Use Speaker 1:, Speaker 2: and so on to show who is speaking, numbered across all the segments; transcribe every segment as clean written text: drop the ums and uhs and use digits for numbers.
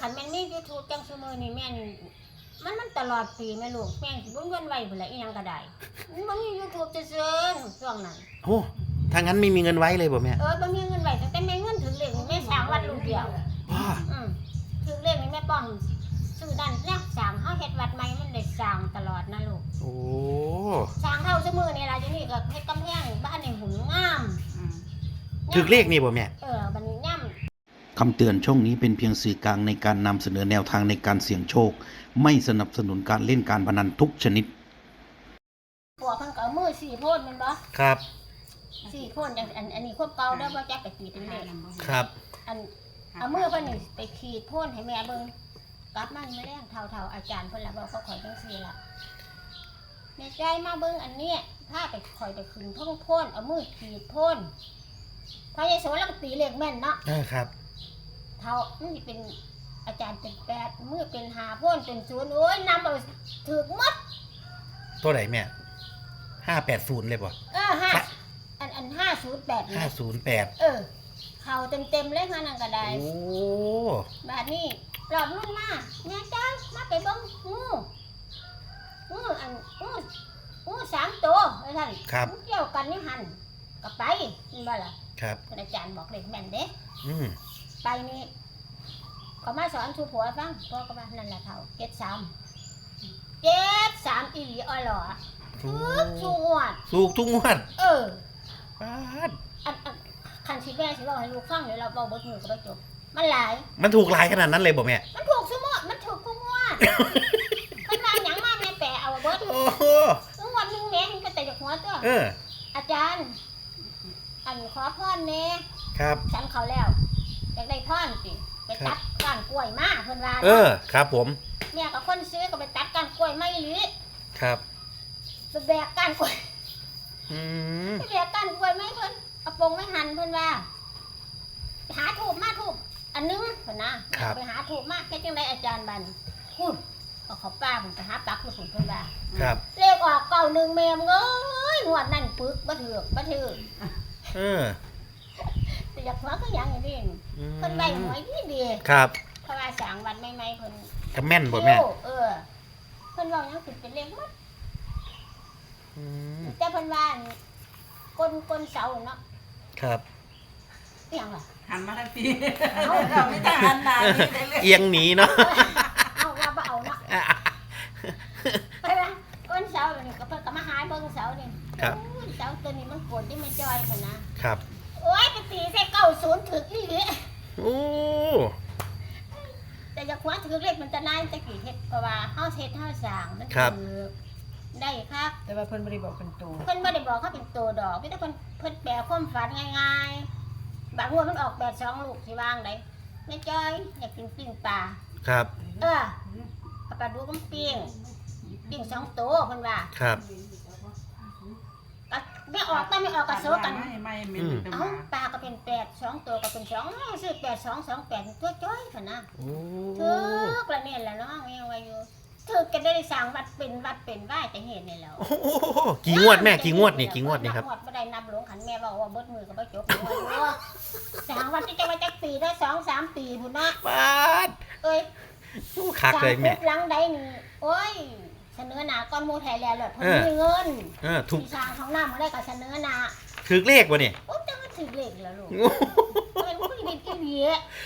Speaker 1: ขันแม่นมี YouTube จังซุมื้อนี่แม่นมันตลอดปีแม่ลูกแม่งสิบ่เงินไว้พุ่นละอีหยังก็ได้มันมี YouTube ซื่อๆช่วงนั้น
Speaker 2: โอ้ถ้างั้นไม่มีเงินไว้เลยบ่แม่
Speaker 1: บ่มีเงินไว้ตั้งแต่แม่เงินถึงเลขนี่แม่สร้างวัดลูกเดียวถึงเลขนี่แม่ป้อมซื้อนั่นนะสร้างเฮาเฮ็ดวัดใหม่มันได้สร้างตลอดนะลูก
Speaker 2: โอ้
Speaker 1: สร้างเท่าซุมื้อนี่ล่ะอยู่นี่ก็เฮ็ดกำแพงบ้านนี่หุ่นงาม
Speaker 2: ถึกเลขนี่บ่แม่
Speaker 1: บัดนี้ย่
Speaker 3: คำเตือนช่องนี้เป็นเพียงสื่อกลางในการนำเสนอแนวทางในการเสี่ยงโชคไม่สนับสนุนการเล่นการพนันทุกชนิด
Speaker 1: พวกเพิ่นก็เอามือ4โพนแม่นบ่
Speaker 2: ครับ
Speaker 1: 4โพนจังอันนี้ควบเก่าเด้อบ่จักไปขีดเป็นเลข
Speaker 2: ครับ
Speaker 1: เอามือเพิ่นนี่ไปขีดโพนให้แม่เบิ่งกลับมามื้อแลงเฒ่าๆอาจารย์เพิ่นล่ะบอกเขาข่อยจังซี่ล่ะแม่ใจมาเบิ่งอันนี้พาไปข่อยไปขึ้นท้องโพนเอามือขีดโพนพระเยซูลังตีเลขแม่นเนาะ
Speaker 2: ครับ
Speaker 1: เท่ามันสิเป็นอาจารย์เป็น8มือเป็น5โพนเป็น0โอ้ยนำเอาถูกหมด
Speaker 2: ตัวไหนแม่580เลยบ่
Speaker 1: 5อัน508นี่
Speaker 2: 508
Speaker 1: เข้าเต็มๆเลยค่ะนั่นก็ได้
Speaker 2: โอ้
Speaker 1: บัดนี้รอบรุ่นมาแม่จ้ามาไปเบิ่งงู3ตัวว่าซั่นเกี่ยวกันนี่หั่นก็ไปนี่บ่ล่ะ
Speaker 2: ครับ
Speaker 1: อาจารย์บอกเลขแม่นเด้ไปนี่ก็มาสอนสู่ผัวฟังพ่อก็ว่านั่นแหละเฒ่า73อีหลีอ้อหล่อทุกงวด
Speaker 2: ทุกงวดปาด
Speaker 1: คันสิแม่สิเว้าให้ลูกฟังเดี๋ยวเราเว้าบ่ถูกก็บ่จบมันหลาย
Speaker 2: มันถูกหลายขนาดนั้นเลยบ่แม่
Speaker 1: มันถูกซุมื้อมันถูกทุกงวดมันมาหยังมาแม่แปะเอาเบิด
Speaker 2: โอ้โห
Speaker 1: งวดนึงแม่มันก็แต่จากหัวตัวอาจารย์ขอพรแน่
Speaker 2: ครับ
Speaker 1: ฉันเขาแล้วอยากได้พรสิไปตัดก้านกล้วยมาเพิ่นว่า
Speaker 2: ครับผม
Speaker 1: แม่กับคนซื้อก็ไปตัดก้านกล้วยมาอีหลี
Speaker 2: ครับ
Speaker 1: ไปแบกก้านกล้วยไปแบกก้านกล้วยมาเพิ่นเอาปงไว้หั่นเพิ่นว่าหาทูบมาทูบอันนึงเพิ่นนะไปหาทูบมาแค่จังได๋อาจารย์บันพูดเอาเขาป้าเพิ่นไปหาปักลูกเพิ่นว่า
Speaker 2: ครับ
Speaker 1: เลขออก91แม่มึงเอ้ยงวดนั้นปึกบ่ถูกแต่อยากหัวก็ยังนี่เพิ่นได้หวยดี
Speaker 2: ครับ
Speaker 1: เพราะว่าสร้างวัดใหม่ๆเพิ่น
Speaker 2: ก็แม่นบ่แม่
Speaker 1: เพิ่นเว้าหยังเป็นเลขหมดแต่เพิ่นว่าก้นเสาเนาะ
Speaker 2: ครับ
Speaker 1: อีหยังล่ะ
Speaker 4: หันมาทางพี่เราไม่ได้หันหน้านี่เลย
Speaker 2: เอียงหนีเนาะ
Speaker 1: เอาว่าบ่เอาเนาะไปว่าก้นเสานี่ก็เพิ่นก็มาหาเบิ่งเสานี่
Speaker 2: ครับ
Speaker 1: เสาตัวนี้มันโกนที่มันจ้อยคั่น
Speaker 2: นะครับ
Speaker 1: โอ๊ยไปตีใส่90ถึกอีหลี
Speaker 2: โอ้
Speaker 1: แต่อยากหัวถือเลขมันจะนายจะกี่เฮ็ดเพราะว่าเฮาเฮ็ดเฮาสร้างมันคือได้ครับ
Speaker 4: แต่ว่าเพิ่นบ่ได้บอกเป็นตัว
Speaker 1: เพิ่นบ่ได้บอกเขาเป็นตัวดอกมีแต่เพิ่นแปลความฝันง่ายๆบางงวดมันออก82ลูกสิวางได้แม่จ้อยอยากกินปิ้งปลา
Speaker 2: ครับ
Speaker 1: เอาปลาดุกมันปิ้ง2ตัวเพิ่นว่า
Speaker 2: ครับ
Speaker 1: ไม่ออกก็โซกันเอ้าปลาก็เป็น8 2ตัวก็เป็น2ซื้อ8228ตัวจ้อยคั่นนะถูกละเนี่ยแหละเนาะยังว่าอยู่ถูกกันได้สร้างวัดเป็นว่าจะเห็นนี่แล้ว
Speaker 2: กี่งวดแม่กี่งวดนี่ครับ
Speaker 1: งวดบ่ได้นับหลวงขันแม่บอกว่าเบิดมือก็บ่จบสร้างวัดที่จะว่าจักปีได้2-3 ปีพุ่นเนาะ
Speaker 2: ปาดคักเลยแม่
Speaker 1: หลังใดนี่โอ้ยเสนอหน้าก้อนหมู่ไทยแล้วเพิ่นมีเงินถูกสร้างของน้ำมาได้ก็เสนอหน้า
Speaker 2: ถึกเลขบ่นี่
Speaker 1: โอ้จังว่าถึกเลขแล้วลูกเป็นผู้ดีที่ดี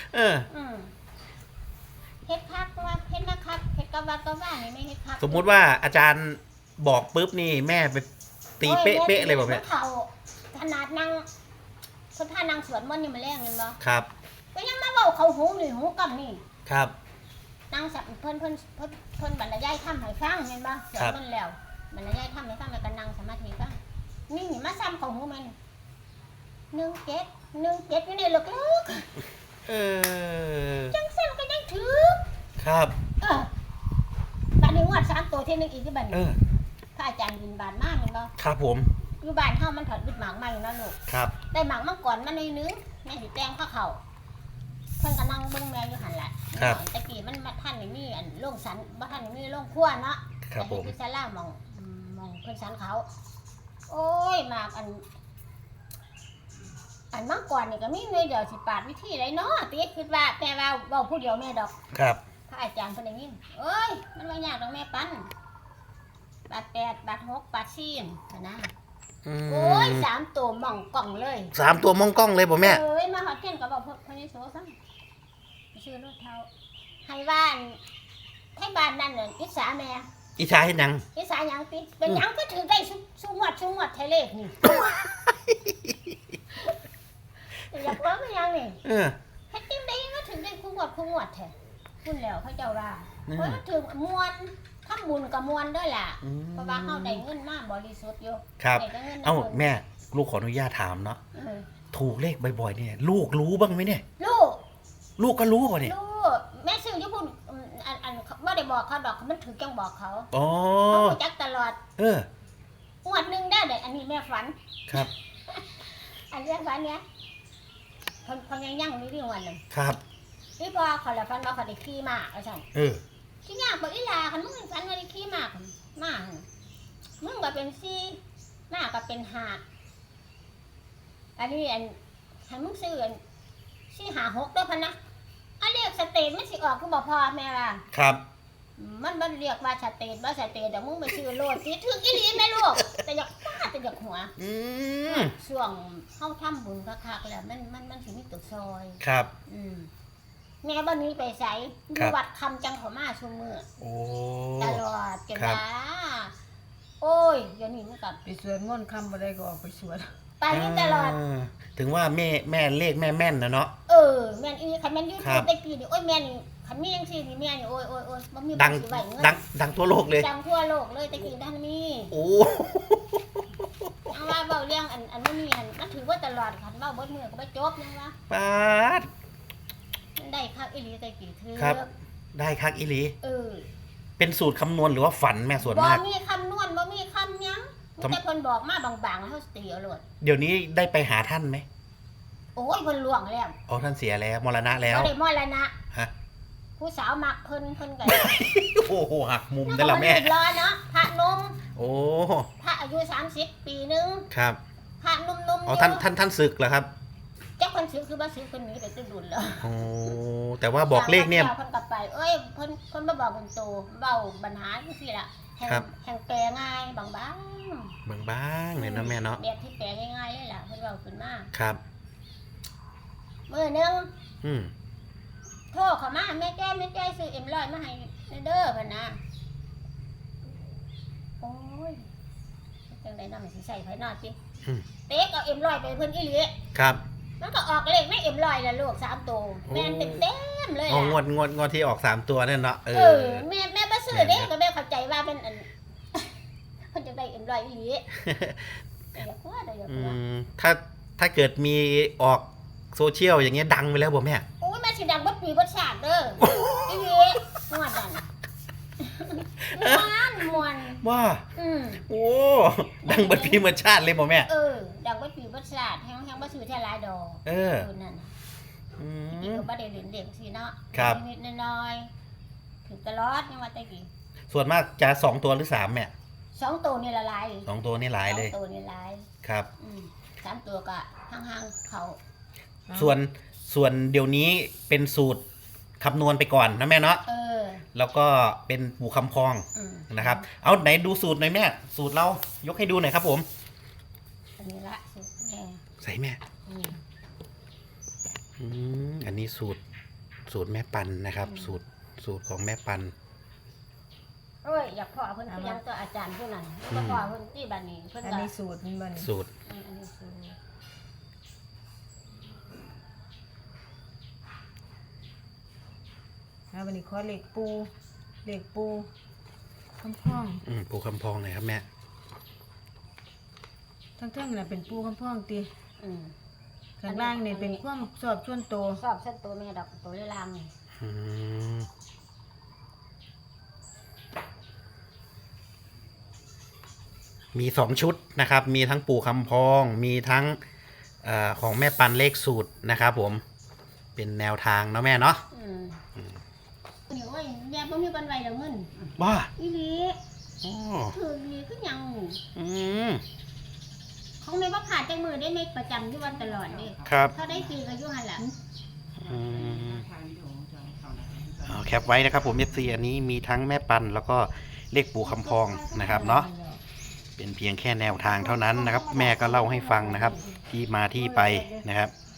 Speaker 1: เฮ็ดคักว่าเฮ็ดคักเฮ็ดกะว่านี่ไม่เฮ็ดคัก
Speaker 2: สมมุติว่าอาจารย์บอกปึ๊บนี่แม่ไปตีเป๊ะๆเลยบ่แม่
Speaker 1: เขาขนาดนั่งคนท่านั่งสวดมนต์นี่มาแรงนั่นบ่
Speaker 2: ครับ
Speaker 1: ก็ยังมาเว้าเขาหูนี่หูกับนี่
Speaker 2: ครับ
Speaker 1: นั่งสับเพิ่นบรรยายธรรมให้ฟังเห็นบ่สวดมนต์แล้วบรรยายธรรมให้ฟังแล้วก็นั่งสมาธิฟังนี่มาซ้ำเขาหูมัน17อยู่ในลึกจังซั่นก็ยังถือ
Speaker 2: ครับ
Speaker 1: บัดนี้งวด3ตัวที่นึงอีกที่บัดนี้พระอาจารย์บินบานมากแม่นบ่
Speaker 2: ครับผม
Speaker 1: อยู่บ้านเฮามันถอดบิดหมากใหม่เนาะลูก
Speaker 2: ครับ
Speaker 1: ได้หมากมังกรมาหน่อยนึงแม่สิแต่งเขาเพิ่นก็นั่งเบิ่งแม่อยู่หั่นแหละตะกี้มันท่านนี่มีอันโรงสันบ่ท่านนี่มีโรงครัวเนาะ
Speaker 2: ครับผม
Speaker 1: ที่ศาลามองเพิ่นสันเขาโอ้ยหมากอันอันเมื่อก่อนนี่ก็มีหน่วยเดียวสิปาดวิธีไรเนาะตีคิดว่าแม่ว่าเว้าผู้เดียวแม่ดอก
Speaker 2: ครับ
Speaker 1: พระอาจารย์เพิ่นได้ยินเอ้ยมันว่ายากดอกแม่ปันบาท8บาท6บาท4นะ
Speaker 2: อืม
Speaker 1: โอ้ย3ตัวหม่องกล่องเลย
Speaker 2: 3 ตัวมองกล้องเลยบ่แม่
Speaker 1: เอ้ยมาหอดเทียนก็บอกพนิโสซังชื่อรถเท้าให้บ้านให้บ้านนั่นน่ะอิสาแม่
Speaker 2: อิชาเฮ็ดหยัง
Speaker 1: อิสาหยังติเป็นหยังก็ถือได้ชุงวดไทยเลขนี่ อยากว่ามันยังนี่
Speaker 2: เออ
Speaker 1: ให้ติ้มได้ก็ถึงได้คุ้งวดแท้คุณแล้วเขาเจ้าว่า
Speaker 2: อืม
Speaker 1: เพราะถึงมวนทำบุญกับมวนด้วยล่ะ
Speaker 2: อืม
Speaker 1: เพราะว่าเฮาได้เงินมาบริสุทธิ์อยู่
Speaker 2: ครับ
Speaker 1: ได้แต่งิน
Speaker 2: เอ้า
Speaker 1: พิ่น
Speaker 2: แม่ลูกขออนุญาตถามเนาะ
Speaker 1: เออ
Speaker 2: ถูกเลขบ่อยๆเนี่ยลูกรู้บ้างไหมเนี่ย
Speaker 1: ลูก
Speaker 2: ลูกก็รู้ป่ะเนี่ย
Speaker 1: ลูกแม่ซื้อญี่ปุ่นอันไม่ได้บอกเขาดอกมันถือจังบอกเขา
Speaker 2: อ๋อ
Speaker 1: เขารู้จักตลอด
Speaker 2: เออ
Speaker 1: งวดหนึ่งได้เลยอันนี้แม่ฝัน
Speaker 2: ครับ
Speaker 1: อันเรื่องฝันเนี้ยคนยังยั่งนี่เรื่องวันหนึ่ง
Speaker 2: ครับ
Speaker 1: พี่พอเขาละฝันว่าเขาได้ขี่ม้าเอาสั่น
Speaker 2: เออ
Speaker 1: ที่ยากบอกอีหลาคันมึงฝันว่าได้ขี่ม้าหั่นม้าหั่นมึงก็เป็นซี่ม้าก็เป็นห่าอันนี้อันให้มึงซื้ออันซี่หา6ด้วยพันนะอันเรียกสเตทมันสิออกคือบอกพ่อแม่ว่า
Speaker 2: ครับ
Speaker 1: มันเรียกว่าสเตทว่าสเตทเดี๋ยวมึงไปซื้อโลดสิถึงอีหลีแม่ลูกแต่อยากป้าแต่อยากหัว
Speaker 2: อืม
Speaker 1: ช่วงเข้าทำบุญคักๆแล้วมันสิมีตัวซอย
Speaker 2: ครับ
Speaker 1: แม่บ้านนี้ไปใส่อ
Speaker 2: ครั
Speaker 1: ยู่
Speaker 2: บ
Speaker 1: วัดคำจังขอมาชุมมือ
Speaker 2: โอ้
Speaker 1: ตลอดจน
Speaker 2: ครับ
Speaker 1: ว่าโอ้ยเดี๋ยวนี้มันกับ
Speaker 4: ไปสวดมนต์คำบ่ได้ก็ออกไปสวด
Speaker 1: ไปนี่ตลอด
Speaker 2: ถึงว่าแม่เลขแม่แม่นนะเนาะ
Speaker 1: แม่นอีคันแม่นยู
Speaker 2: ครั
Speaker 1: ทู
Speaker 2: บ
Speaker 1: บได้กี่นี่โอ้ยแม่นคันมีจังซี่นี่แม่นี่โอ้ยบ่มี
Speaker 2: ดัง
Speaker 1: สิไว้เงิน
Speaker 2: ดังทั่วโลกเลย
Speaker 1: ดังทั่วโลกเลยตะกี้ด้านนี้
Speaker 2: โอ้
Speaker 1: เอาว่าเบาเรื่องอันมันมีอันมันถือว่าตลอดคันเบาเบิดมือก็บ่จบยังวะ
Speaker 2: ปาด
Speaker 1: มันได้คักอีหลีตะกี้ถือ
Speaker 2: ครับ ได้คักอีหลี
Speaker 1: เออ
Speaker 2: เป็นสูตรคำนวณหรือว่าฝันแม่ส่วน
Speaker 1: บ่
Speaker 2: มาก
Speaker 1: มีคำนวณบ่มีคำหยังมีแต่เพิ่นบอกมาบางๆแล้วเฮาสิตีเอาโลด
Speaker 2: เดี๋ยวนี้ได้ไปหาท่านไหม
Speaker 1: โอ้ยเพิ่นล่วงแล้ว
Speaker 2: อ๋อท่านเสียแล้วมรณะแล้ว
Speaker 1: บ่ได้มรณะ
Speaker 2: ฮะ
Speaker 1: ผู้สาวมักเพิ่นก็
Speaker 2: โอ้โหหักมุมได้ละแม่
Speaker 1: รอเนาะพระนม
Speaker 2: โอ้
Speaker 1: พระอายุ30ปีนึง
Speaker 2: ครับ
Speaker 1: พระนุ่มๆ
Speaker 2: อ๋อท่านศึกเหรอครับ
Speaker 1: จักเพิ่นซื้อคือบ่ซื้อเพิ่นหนีไปตึ้งดุลแล้ว
Speaker 2: โอ้แต่ว่าบอกเลขเนี่ย
Speaker 1: เพิ่นกลับไปเอ้ยเพิ่นมาบอกเพิ่นโตเว้าปัญหาจังซี่ล่ะแห่ง
Speaker 2: ครับ
Speaker 1: แห่งแปลง่ายบาง
Speaker 2: บางๆเลยนะแม่เนาะ
Speaker 1: แบบที่แปลง่ายๆเลยล่ะเพิ่นเว้าขึ้นมา
Speaker 2: ครับ
Speaker 1: มื้อนึง
Speaker 2: อืม
Speaker 1: โทรเข้ามาแม่แจ้ซื้อเอ็มร้อยมาให้เด้อเพิ่นนะโอ้ยจังได๋นำสิใส่ไผนอดติ
Speaker 2: อืม
Speaker 1: เต๊กเอาเอ็มร้อยไปเพิ่นอีหลี
Speaker 2: ครับ
Speaker 1: มันก็ออกเลขในเอ็มร้อยละลูก3ตัวแม่นเต็มๆเลย
Speaker 2: อ๋อ
Speaker 1: ล่ะ
Speaker 2: งวดที่ออก3ตัวนั่นเนาะ
Speaker 1: แม่บ่ซื้อเด้ก็แม่เข้าใจว่าเป็นอัน เพิ่นจังได้เอ็มร้อยอีหลีแต่อยากว่าได้อยาก
Speaker 2: อื
Speaker 1: ว่าม
Speaker 2: ถ้าเกิดมีออกโซเชียลอย่างเงี้ยดังไปแล้วบ่แม่
Speaker 1: โอ้ยแม่สิดังบ่ปีบ่ชาติเด้ออีหลีม่วนดันม่วน
Speaker 2: ว่า
Speaker 1: อืม
Speaker 2: โอ้ดังเบัดพีเหมือนชาติเลยบ่แม่
Speaker 1: ดังบ่ปีบ่ชาติแฮงบ่ซื้อแท้หลายดอก
Speaker 2: เออ
Speaker 1: นั่นน่ะ
Speaker 2: อื
Speaker 1: อีก
Speaker 2: ม
Speaker 1: ก็บ่ได้เล่นเด็กสิเนาะ
Speaker 2: ครับ
Speaker 1: นิดๆน้อยๆถึงตลอดยังว่าแต่กี้
Speaker 2: ส่วนมากจะ2ตัวหรือ3แม่
Speaker 1: 2ตัวนี่ละลาย
Speaker 2: 2ตัวนี่หลายเลย
Speaker 1: 2ตัวนี่หลาย
Speaker 2: ครับ
Speaker 1: 3ตัวก็ห่างๆเขา
Speaker 2: ส่วนเดี๋ยวนี้เป็นสูตรคำนวณไปก่อนนะแม่เนาะ แล้วก็เป็นปู่คำพอง
Speaker 1: อืม
Speaker 2: นะครับ เอาไหนดูสูตรหน่อยแม่ สูตรเรายกให้ดูหน่อยครับผม
Speaker 1: อันนี้ละสุดแม่
Speaker 2: ใส่แม่
Speaker 1: อืม
Speaker 2: อันนี้สูตรแม่ปันนะครับ สูตรของแม่ปัน
Speaker 1: โอ้ยอยากพ่อเพิ่นคือยังตัวอาจารย์ผู้นั้นแล้วก็พ่อเพิ่นที่บ้านนี้เพิ่น
Speaker 4: อัน
Speaker 1: ก็
Speaker 4: นี้สูตรมันบ่นี่
Speaker 2: สูตร
Speaker 1: อันนี้สูตร
Speaker 4: แล้ววันนี้ขอเลขปูคำพ้อง
Speaker 2: ปู่คำพองหน่อยครับแม่
Speaker 4: ทั้งๆน่ะเป็นปูคำพ้องติ
Speaker 1: อืม
Speaker 4: ข้างล่างนี่เป็นความสอบส่วนตัว
Speaker 1: ชอบเส้นตัวแม่ดอกตัวเลลามนี่
Speaker 2: อืมมี2 ชุดนะครับ มีทั้งปู่คำพอง มีทั้งของแม่ปันเลขสูตรนะครับผม เป็นแนวทางเนาะแม่เนาะ
Speaker 1: นี่โอ้ยแย่บ่มีปันไหวแล้วเงิน
Speaker 2: ว่า
Speaker 1: อีหลี
Speaker 2: อ๋อ
Speaker 1: ถือดีคือหยัง
Speaker 2: อืม
Speaker 1: เขาของแม่บ่ขาดจังมือได้แม่ประจำอยู่วันตลอดเด้
Speaker 2: ครับ
Speaker 1: ถ้าได้ปีก็อยู่หั่นล่ะ
Speaker 2: อืมเอาแคปไว้นะครับผมFCอันนี้มีทั้งแม่ปันแล้วก็เลขปู่คำพองนะครับเนาะเป็นเพียงแค่แนวทางเท่านั้นนะครับ แม่ก็เล่าให้ฟังนะครับ ที่มาที่ไปนะครับ